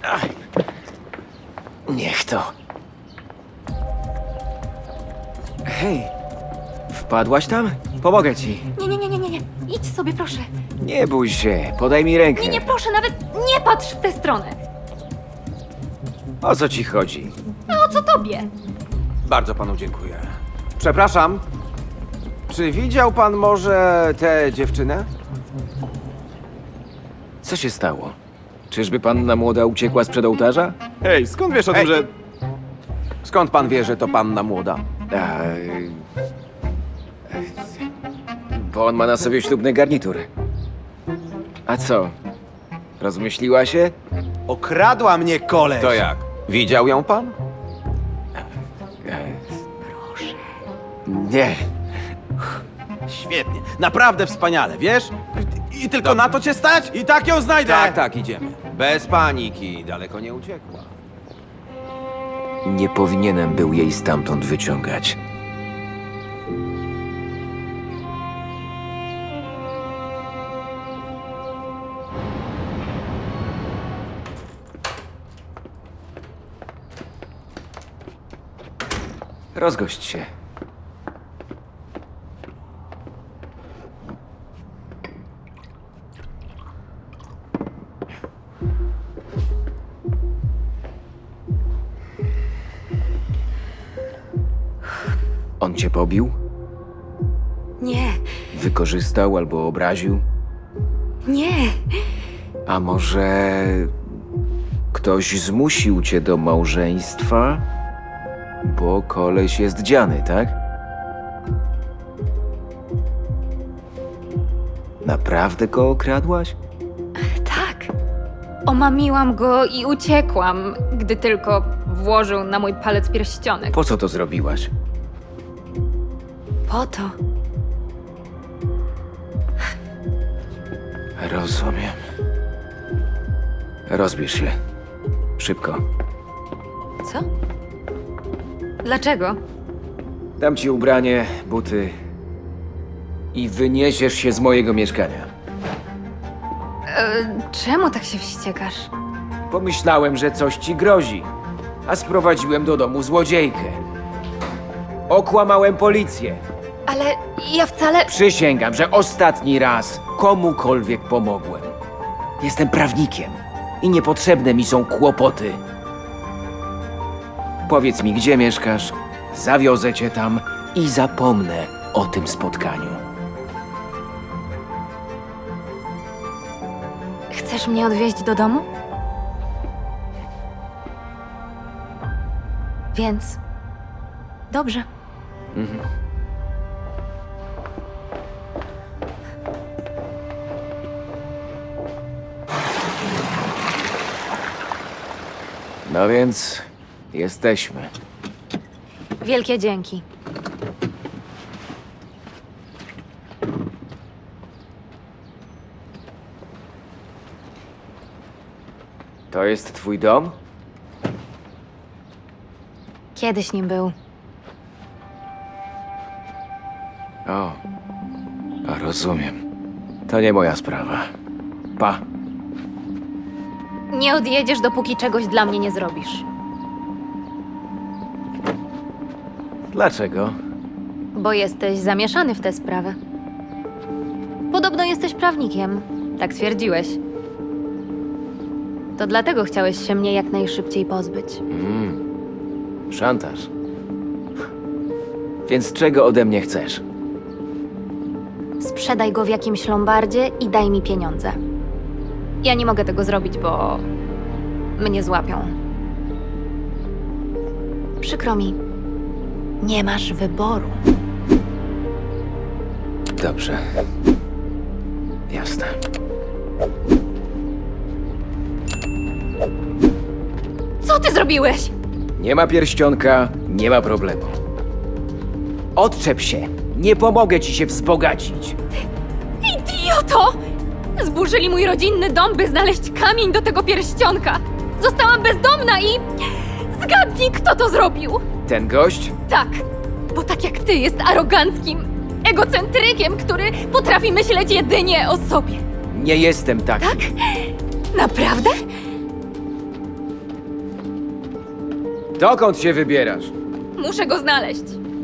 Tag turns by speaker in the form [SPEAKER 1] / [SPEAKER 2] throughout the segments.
[SPEAKER 1] Niech to. Hej, wpadłaś tam? Pomogę ci.
[SPEAKER 2] Nie. Idź sobie, proszę.
[SPEAKER 1] Nie bój się, podaj mi rękę.
[SPEAKER 2] Nie, proszę, nawet nie patrz w tę stronę.
[SPEAKER 1] O co ci chodzi?
[SPEAKER 2] A o co tobie?
[SPEAKER 3] Bardzo panu dziękuję. Przepraszam. Czy widział pan może tę dziewczynę?
[SPEAKER 1] Co się stało? Czyżby panna młoda uciekła sprzed ołtarza?
[SPEAKER 3] Hej, skąd wiesz o tym, że... Skąd pan wie, że to panna młoda?
[SPEAKER 1] A, bo on ma na sobie ślubny garnitur. A co? Rozmyśliła się?
[SPEAKER 4] Okradła mnie koleś!
[SPEAKER 3] To jak? Widział ją pan?
[SPEAKER 1] Nie.
[SPEAKER 4] Świetnie, naprawdę wspaniale, wiesz? I tylko na to cię stać? I tak ją znajdę!
[SPEAKER 3] Tak, idziemy. Bez paniki, daleko nie uciekła.
[SPEAKER 1] Nie powinienem był jej stamtąd wyciągać. Rozgość się. On cię pobił?
[SPEAKER 2] Nie,
[SPEAKER 1] Wykorzystał albo obraził?
[SPEAKER 2] nie.
[SPEAKER 1] A może ktoś zmusił cię do małżeństwa? Bo koleś jest dziany, tak? Naprawdę go okradłaś?
[SPEAKER 2] Tak. Omamiłam go i uciekłam, gdy tylko włożył na mój palec pierścionek.
[SPEAKER 1] Po co to zrobiłaś?
[SPEAKER 2] Po to.
[SPEAKER 1] Rozumiem. Rozbierz się. Szybko.
[SPEAKER 2] Co? Dlaczego?
[SPEAKER 1] Dam ci ubranie, buty i wyniesiesz się z mojego mieszkania.
[SPEAKER 2] Czemu tak się wściekasz?
[SPEAKER 1] Pomyślałem, że coś ci grozi, a sprowadziłem do domu złodziejkę. Okłamałem policję.
[SPEAKER 2] Ale ja wcale...
[SPEAKER 1] Przysięgam, że ostatni raz komukolwiek pomogłem. Jestem prawnikiem i niepotrzebne mi są kłopoty. Powiedz mi, gdzie mieszkasz, zawiozę cię tam i zapomnę o tym spotkaniu.
[SPEAKER 2] Chcesz mnie odwieźć do domu? Więc... Dobrze.
[SPEAKER 1] No więc jesteśmy.
[SPEAKER 2] Wielkie dzięki.
[SPEAKER 1] To jest twój dom?
[SPEAKER 2] Kiedyś nim był.
[SPEAKER 1] O, a rozumiem. To nie moja sprawa. Pa.
[SPEAKER 2] Nie odjedziesz, dopóki czegoś dla mnie nie zrobisz.
[SPEAKER 1] Dlaczego?
[SPEAKER 2] Bo jesteś zamieszany w tę sprawę. Podobno jesteś prawnikiem. Tak twierdziłeś. To dlatego chciałeś się mnie jak najszybciej pozbyć.
[SPEAKER 1] Szantaż. Więc czego ode mnie chcesz?
[SPEAKER 2] Sprzedaj go w jakimś lombardzie i daj mi pieniądze. Ja nie mogę tego zrobić, bo mnie złapią. Przykro mi. Nie masz wyboru.
[SPEAKER 1] Dobrze. Jasne.
[SPEAKER 2] Co ty zrobiłeś?
[SPEAKER 1] Nie ma pierścionka, nie ma problemu. Odczep się. Nie pomogę ci się wzbogacić.
[SPEAKER 2] Idioto! Zburzyli mój rodzinny dom, by znaleźć kamień do tego pierścionka. Zostałam bezdomna i... Zgadnij, kto to zrobił!
[SPEAKER 1] Ten gość?
[SPEAKER 2] Tak, bo tak jak ty jest aroganckim egocentrykiem, który potrafi myśleć jedynie o sobie.
[SPEAKER 1] Nie jestem taki.
[SPEAKER 2] Tak? Naprawdę?
[SPEAKER 1] Dokąd się wybierasz?
[SPEAKER 2] Muszę go znaleźć.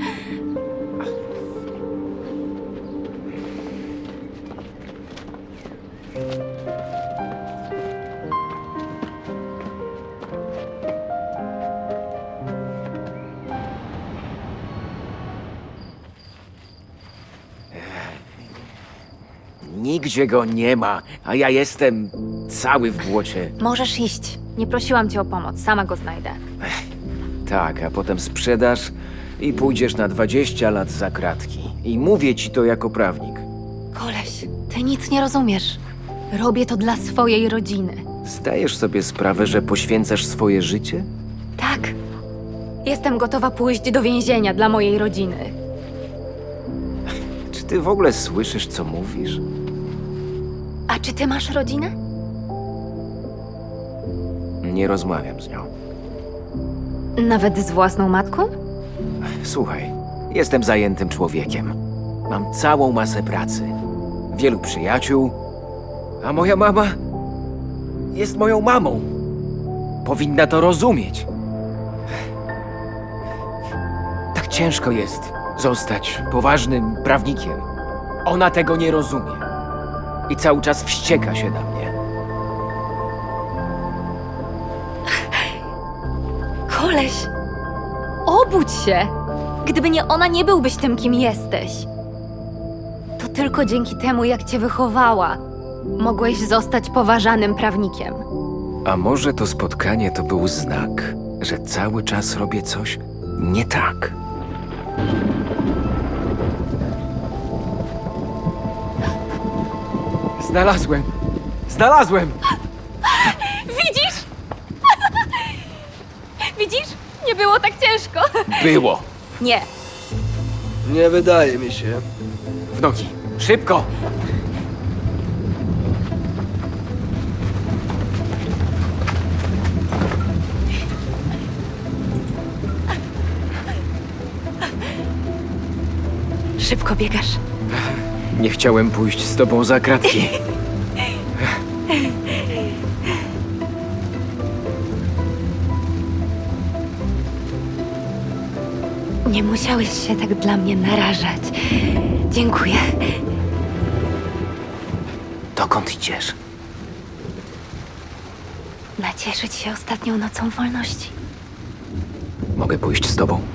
[SPEAKER 1] Nigdzie go nie ma, a ja jestem cały w błocie.
[SPEAKER 2] Możesz iść. Nie prosiłam cię o pomoc, sama go znajdę.
[SPEAKER 1] Tak, a potem sprzedasz i pójdziesz na 20 lat za kratki. I mówię ci to jako prawnik.
[SPEAKER 2] Koleś, ty nic nie rozumiesz. Robię to dla swojej rodziny.
[SPEAKER 1] Zdajesz sobie sprawę, że poświęcasz swoje życie?
[SPEAKER 2] Tak. Jestem gotowa pójść do więzienia dla mojej rodziny.
[SPEAKER 1] Czy ty w ogóle słyszysz, co mówisz?
[SPEAKER 2] A czy ty masz rodzinę?
[SPEAKER 1] Nie rozmawiam z nią.
[SPEAKER 2] Nawet z własną matką?
[SPEAKER 1] Słuchaj, jestem zajętym człowiekiem. Mam całą masę pracy, wielu przyjaciół, a moja mama jest moją mamą. Powinna to rozumieć. Tak ciężko jest zostać poważnym prawnikiem. Ona tego nie rozumie i cały czas wścieka się na mnie.
[SPEAKER 2] Koleś, obudź się! Gdyby nie ona, nie byłbyś tym, kim jesteś. To tylko dzięki temu, jak cię wychowała, mogłeś zostać poważanym prawnikiem.
[SPEAKER 1] A może to spotkanie to był znak, że cały czas robię coś nie tak? Znalazłem! Znalazłem!
[SPEAKER 2] Widzisz? Widzisz? Nie było tak ciężko.
[SPEAKER 1] Było!
[SPEAKER 2] Nie.
[SPEAKER 5] Nie wydaje mi się.
[SPEAKER 1] W nogi! Szybko!
[SPEAKER 2] Szybko biegasz.
[SPEAKER 1] Nie chciałem pójść z tobą za kratki.
[SPEAKER 2] Nie musiałeś się tak dla mnie narażać. Dziękuję.
[SPEAKER 1] Dokąd idziesz?
[SPEAKER 2] Nacieszyć się ostatnią nocą wolności.
[SPEAKER 1] Mogę pójść z tobą?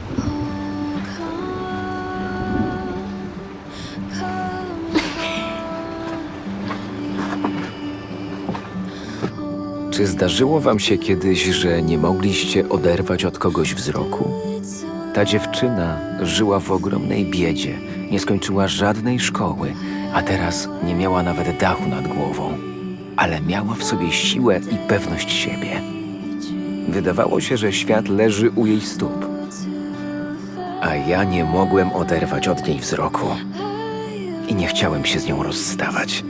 [SPEAKER 1] Czy zdarzyło wam się kiedyś, że nie mogliście oderwać od kogoś wzroku? Ta dziewczyna żyła w ogromnej biedzie, nie skończyła żadnej szkoły, a teraz nie miała nawet dachu nad głową, ale miała w sobie siłę i pewność siebie. Wydawało się, że świat leży u jej stóp, a ja nie mogłem oderwać od niej wzroku i nie chciałem się z nią rozstawać.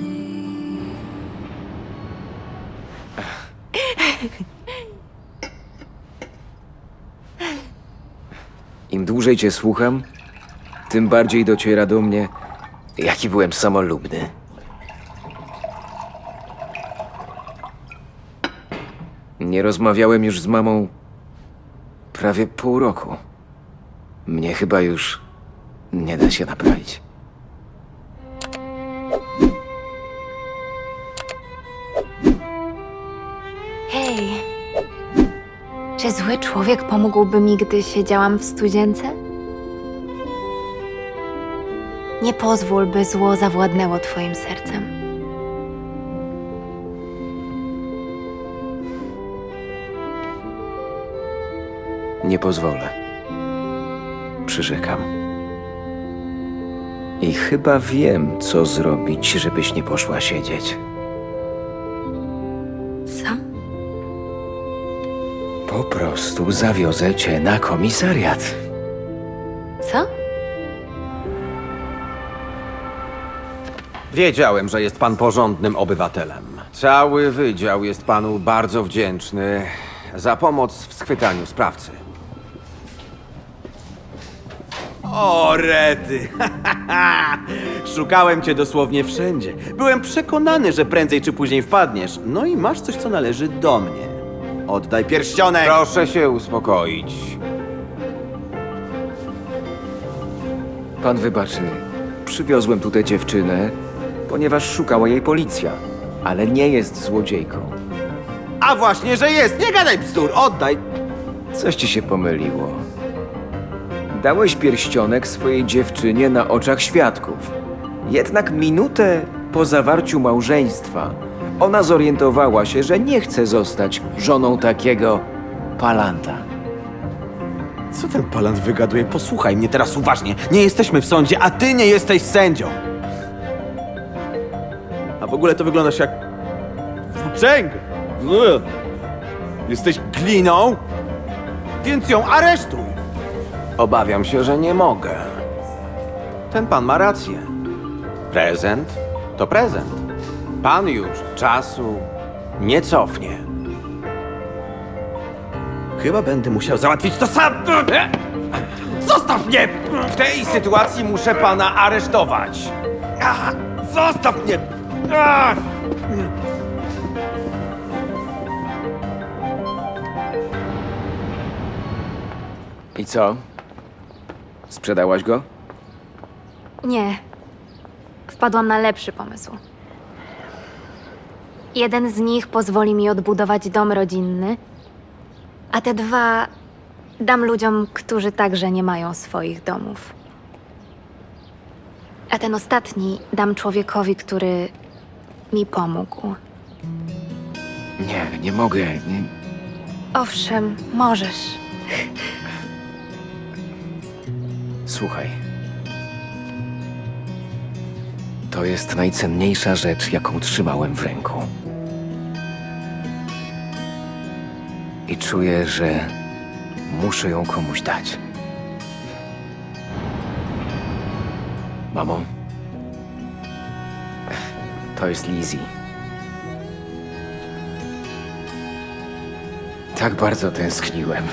[SPEAKER 1] Im dłużej cię słucham, tym bardziej dociera do mnie, jaki byłem samolubny. Nie rozmawiałem już z mamą prawie pół roku. Mnie chyba już nie da się naprawić.
[SPEAKER 2] Hej. Czy zły człowiek pomógłby mi, gdy siedziałam w studzience? Nie pozwól, by zło zawładnęło twoim sercem.
[SPEAKER 1] Nie pozwolę. Przyrzekam. I chyba wiem, co zrobić, żebyś nie poszła siedzieć.
[SPEAKER 2] Co?
[SPEAKER 1] Po prostu zawiozę cię na komisariat.
[SPEAKER 2] Co?
[SPEAKER 3] Wiedziałem, że jest pan porządnym obywatelem. Cały wydział jest panu bardzo wdzięczny za pomoc w schwytaniu sprawcy.
[SPEAKER 4] O, rety! Szukałem cię dosłownie wszędzie. Byłem przekonany, że prędzej czy później wpadniesz. No i masz coś, co należy do mnie. Oddaj pierścionek!
[SPEAKER 3] Proszę się uspokoić.
[SPEAKER 1] Pan wybaczy, przywiozłem tu tę dziewczynę, ponieważ szukała jej policja, ale nie jest złodziejką.
[SPEAKER 4] A właśnie, że jest! Nie gadaj bzdur! Oddaj!
[SPEAKER 1] Coś ci się pomyliło. Dałeś pierścionek swojej dziewczynie na oczach świadków. Jednak minutę po zawarciu małżeństwa ona zorientowała się, że nie chce zostać żoną takiego palanta.
[SPEAKER 4] Co ten palant wygaduje? Posłuchaj mnie teraz uważnie. Nie jesteśmy w sądzie, a ty nie jesteś sędzią. A w ogóle to wyglądasz jak... włóczęga. Jesteś gliną, więc ją aresztuj.
[SPEAKER 3] Obawiam się, że nie mogę. Ten pan ma rację. Prezent to prezent. Pan już czasu nie cofnie.
[SPEAKER 4] Chyba będę musiał załatwić to sam. Zostaw mnie!
[SPEAKER 3] W tej sytuacji muszę pana aresztować.
[SPEAKER 4] Zostaw mnie!
[SPEAKER 1] I co? Sprzedałaś go?
[SPEAKER 2] Nie. Wpadłam na lepszy pomysł. Jeden z nich pozwoli mi odbudować dom rodzinny, a te dwa dam ludziom, którzy także nie mają swoich domów. A ten ostatni dam człowiekowi, który mi pomógł.
[SPEAKER 1] Nie mogę. Nie.
[SPEAKER 2] Owszem, możesz.
[SPEAKER 1] Słuchaj. To jest najcenniejsza rzecz, jaką trzymałem w ręku. I czuję, że muszę ją komuś dać. Mamo, to jest Lizzie. Tak bardzo tęskniłem.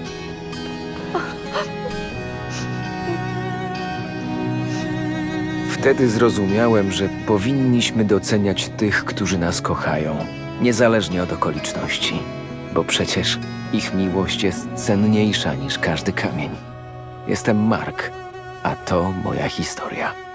[SPEAKER 1] Wtedy zrozumiałem, że powinniśmy doceniać tych, którzy nas kochają, niezależnie od okoliczności, bo przecież ich miłość jest cenniejsza niż każdy kamień. Jestem Mark, a to moja historia.